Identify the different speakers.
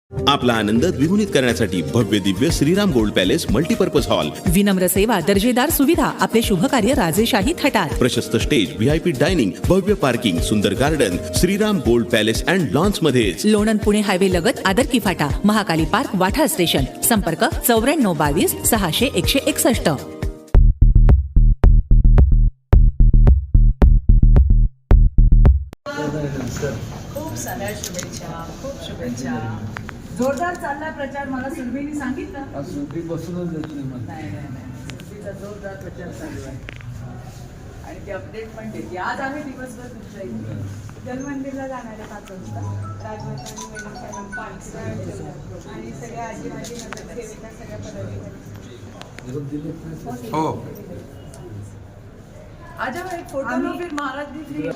Speaker 1: आपला आनंद द्विगुणित करण्यासाठी भव्य दिव्य Shriram gold palace multipurpose hall,
Speaker 2: विनम्र सेवा, दर्जेदार सुविधा, आपले शुभ कार्य राजेशाही थाटात.
Speaker 1: प्रशस्त स्टेज, VIP डायनिंग, भव्य पार्किंग, सुंदर garden, Shriram gold palace and lawns मध्येच.
Speaker 2: लोणंद पुणे हायवे लगत आदरकी फाटा, महाकाली पार्क, वाठा स्टेशन. संपर्क 9422 600 161.
Speaker 3: खूप साऱ्या शुभेच्छा, खूप शुभेच्छा. जोरदार चालला प्रचार. मला सुरभीने सांगितलं.
Speaker 4: सुट्टी बसूनच देत नाही मला.
Speaker 3: नाही सुरभीचा जोरदार प्रचार चालू आहे आणि ती अपडेट पण देते. आज आम्ही दिवसभर तुमच्या इथे जलमंदिरला जाणार आहे 5 वाजता. राजवर्धन आणि सगळ्या आजी माझी नगरसेविका, सगळ्या पदाधिकारी.
Speaker 4: हो.
Speaker 3: आज एक फोटो लो फिर महाराज जी फ्री